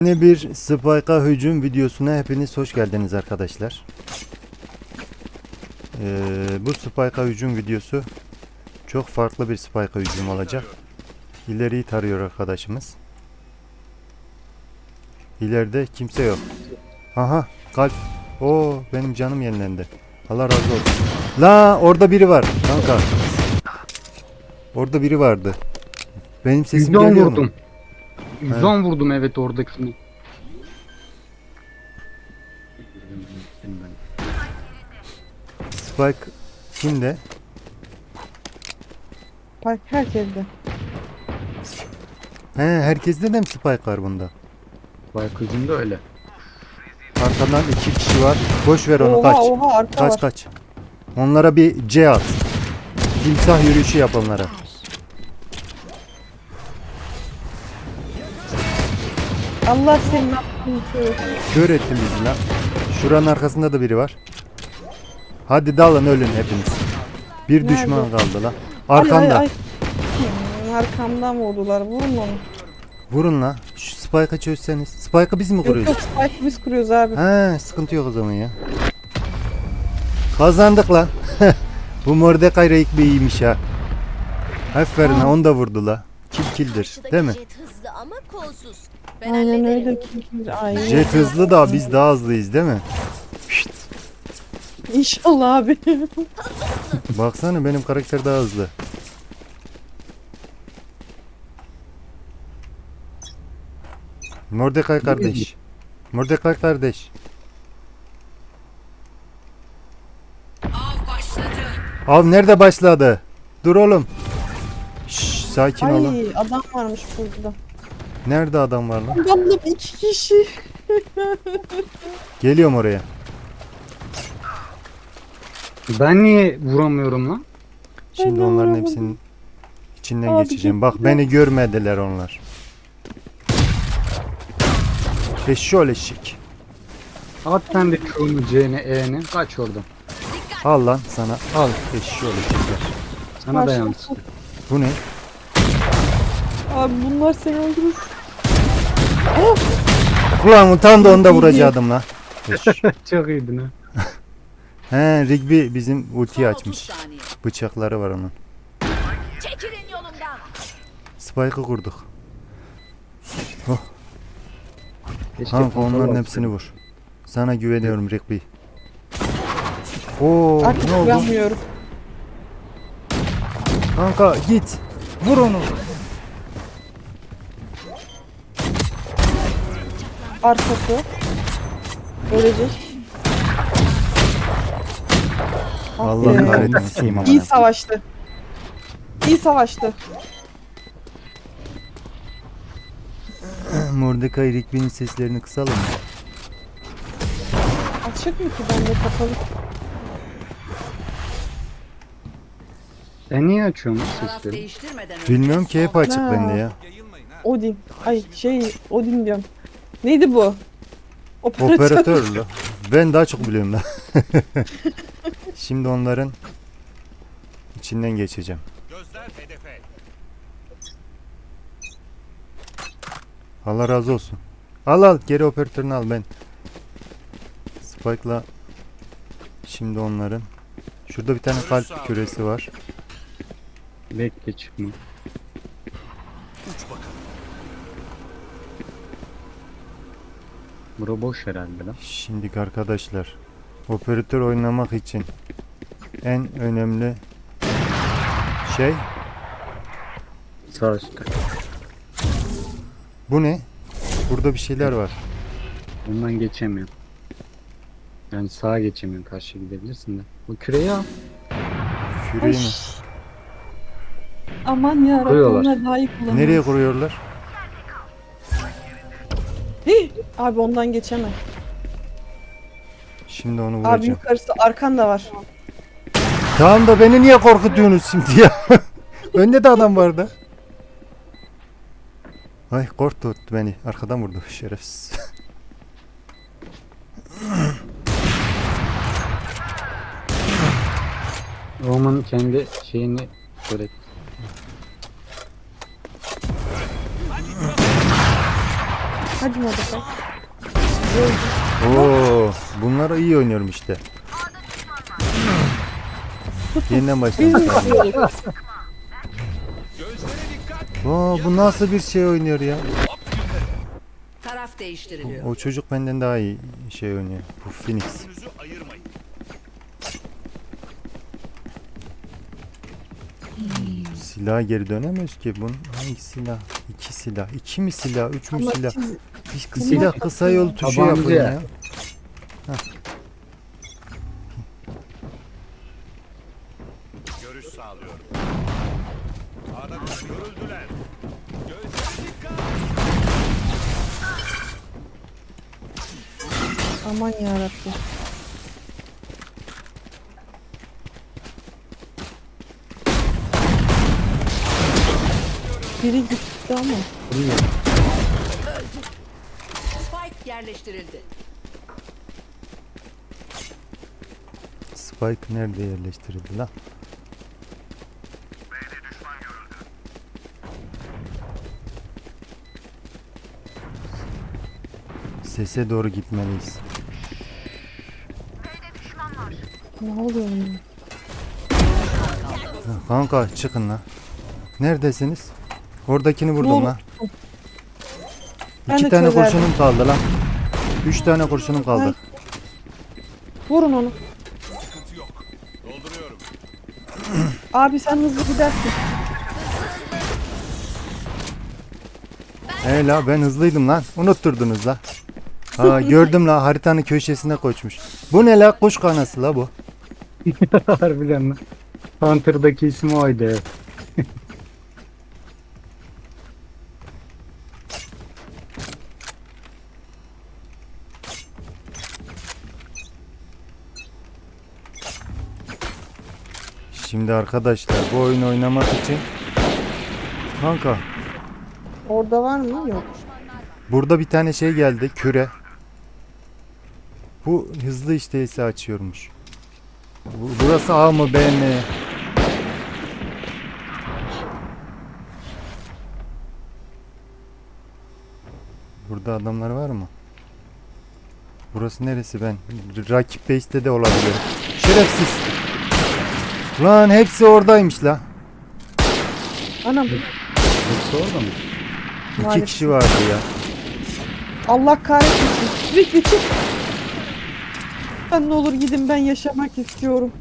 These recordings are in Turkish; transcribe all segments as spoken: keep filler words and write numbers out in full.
Yeni bir Spike'a hücum videosuna hepiniz hoş geldiniz arkadaşlar. Ee, bu Spike'a hücum videosu çok farklı bir Spike'a hücum olacak. İleriyi tarıyor arkadaşımız. İleride kimse yok. Aha kalp. Oo benim canım yenilendi. Allah razı olsun. La orada biri var kanka. Orada biri vardı. Benim sesim yüz on geliyor vurdum. mu? yüz on vurdum evet oradakini. Spike kimde? Bak herkeste. He herkeste de mi Spike var bunda? Baykızım da öyle. Arkadan iki kişi var. Boş ver onu Oha kaç. oha arka Kaç var. kaç. Onlara bir C at. Timsah yürüyüşü yap onlara. Allah senin aklını kör. Kör ettin bizi lan. Şuranın arkasında da biri var. Hadi dalın ölün hepiniz. Bir Nerede? düşman kaldı lan. Ay, Arkanda. ay, ay. Hmm, arkamdan vurdular. Vurun onu. Vurun la. Şu Spike'ı çözseniz. Spike'ı biz mi Yok kuruyoruz? yok spike biz kuruyoruz abi. He sıkıntı yok o zaman ya. Kazandık lan. Bu Mordecai Rigby iyiymiş ha. Aferin ha onu da vurdu la. Kill killdir değil mi? Jet hızlı ama kolsuz. Ben Aynen hallederim. öyle. Ay. Jet hızlı da biz daha hızlıyız değil mi? Şşt. İnşallah abi. Baksana benim karakter daha hızlı. Mordecai kardeş. Mordecai kardeş. Av nerede başladı? Dur oğlum. Şşş, sakin olun. Ay adam varmış burada. Nerede adam var lan? Adamla iki kişi. Geliyorum oraya. Ben niye vuramıyorum lan? Şimdi Ben onların vuramadım. hepsinin içinden Abi geçeceğim. Bak gittiler. beni görmediler onlar. Eşşol eşek. At sen de Q'nu C'ni E'ni kaç oradan. Al lan sana. Al eşşol eşekler. Sana da Karşı- yansın. Bu ne? Abi bunlar seni öldürür. Ulan tam da onu da vuracaktım lan. Eş. Çok iyiydin ha. He Rigby bizim ultiyi Son otuz açmış. saniye. Bıçakları var onun. Çekilin yolumdan. Spike'ı kurduk. Keşke Kanka kontrol onların alsaydım. hepsini vur. Sana güveniyorum Rigby. Oo Artık ne oldu? güvenmiyorum. Kanka git. Vur onu. Arkası. Ölecek. Ah Allah be. kahretmesin. İyi savaştı. İyi savaştı. Mordecai Rigby'nin seslerini kısalım mı? Açık mı ki bende kapalı? Ben niye açıyorum Taraf sesleri? değiştirmeden önce Bilmiyorum ki hep açık Ha. bende ya. Odin. Ay şey Odin diyorum. Neydi bu? Operatör. Operatör la. Ben daha çok biliyorum la. Şimdi onların içinden geçeceğim. Allah razı olsun. Al al geri operatörünü al ben. Spike'la şimdi onların. Şurada bir tane kalp küresi var. Bekle çıkma. Bura boş herhalde lan. Şimdi arkadaşlar operatör oynamak için en önemli şey Sağ üstte. bu ne? Burada bir şeyler var. Ondan geçemiyorum. Yani sağa geçemiyorum, karşıya gidebilirsin de. Bu küreyi al. Küreği mi? Aman ya Rabbim Koyuyorlar. onlar daha iyi kullanıyor. Nereye kuruyorlar? Hih! Abi ondan geçemem. Şimdi onu Abi vuracağım. yukarısı arkan da var. Tamam da beni niye korkutuyorsunuz şimdi ya? Önde de adam vardı. Ay korktu beni. Arkadan vurdu şerefsiz. Roman kendi şeyini öğret. Hadi Mordecai. Oo, bunlar iyi oynuyorum işte. Yeniden başlayalım. Oo, bu nasıl bir şey oynuyor ya? Taraf değiştiriliyor. O çocuk benden daha iyi şey oynuyor. Bu Phoenix. Silaha geri dönemiyoruz ki. Bunun hangi silah? İki silah. İki mi silah? Üç mü Ama silah? siz- Bir silah kısa yol tuşu Tabanca. yapın ya. Görüş sağlıyorum. Sağda görüldüler. Aman yarabbim. Biri gitti ama. Spike yerleştirildi. Spike nerede yerleştirildi lan? Sese doğru gitmeliyiz. Ne oluyor ya? Ha, kanka çıkın lan. Neredesiniz? Oradakini vurdum Vur. lan. Ben İki de tane çözerdim. kurşunum kaldı lan. Üç tane kurşunum kaldı. Ay. Vurun onu. Dolduruyorum. Abi sen hızlı gidersin. He la ben hızlıydım lan. Unutturdunuz la. Aa gördüm la haritanın köşesine koşmuş. Bu ne la? Kuş kanası la bu. Harbiden lan. Hunter'daki ismi oydu. Evet. Şimdi arkadaşlar bu oyunu oynamak için kanka Orada var mı? Yok. burada bir tane şey geldi küre. Bu hızlı işteyse açıyormuş. Bu- Burası A mı B mi? Burada adamlar var mı? Burası neresi ben? Rakip base'te de olabilir. Şerefsiz. Lan hepsi oradaymış la. Anam. Hepsi orada mı? İki Maalesef. kişi vardı ya. Allah kahretmesin. Rick çık. Ben ne olur gidin, ben yaşamak istiyorum.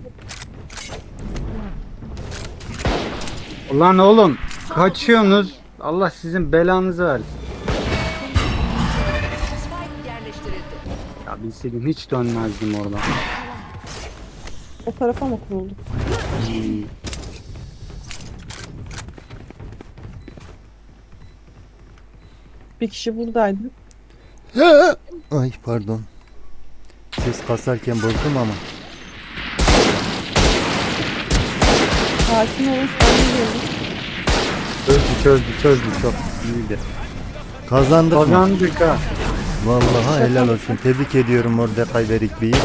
Ulan oğlum kaçıyorsunuz. Allah sizin belanızı versin. Spike yerleştirildi. Ya bilseydim hiç dönmezdim oradan. O tarafa mı kuruldu? Hmm. Bir kişi buradaydı. Ay pardon. Ses kasarken bozdum ama. Sakin olun, sakin olun. Çözdü çözdü çözdü çok iyiydi. Kazandık mı? Kazandık ha. Vallahi helal olsun. Tebrik ediyorum Mordecai ve Rick Bey'i.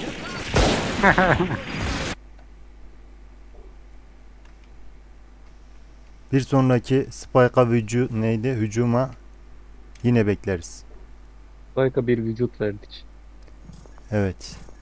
Bir sonraki Spike'a vücu neydi? Hücuma yine bekleriz. Harika bir vücut verdik. Evet.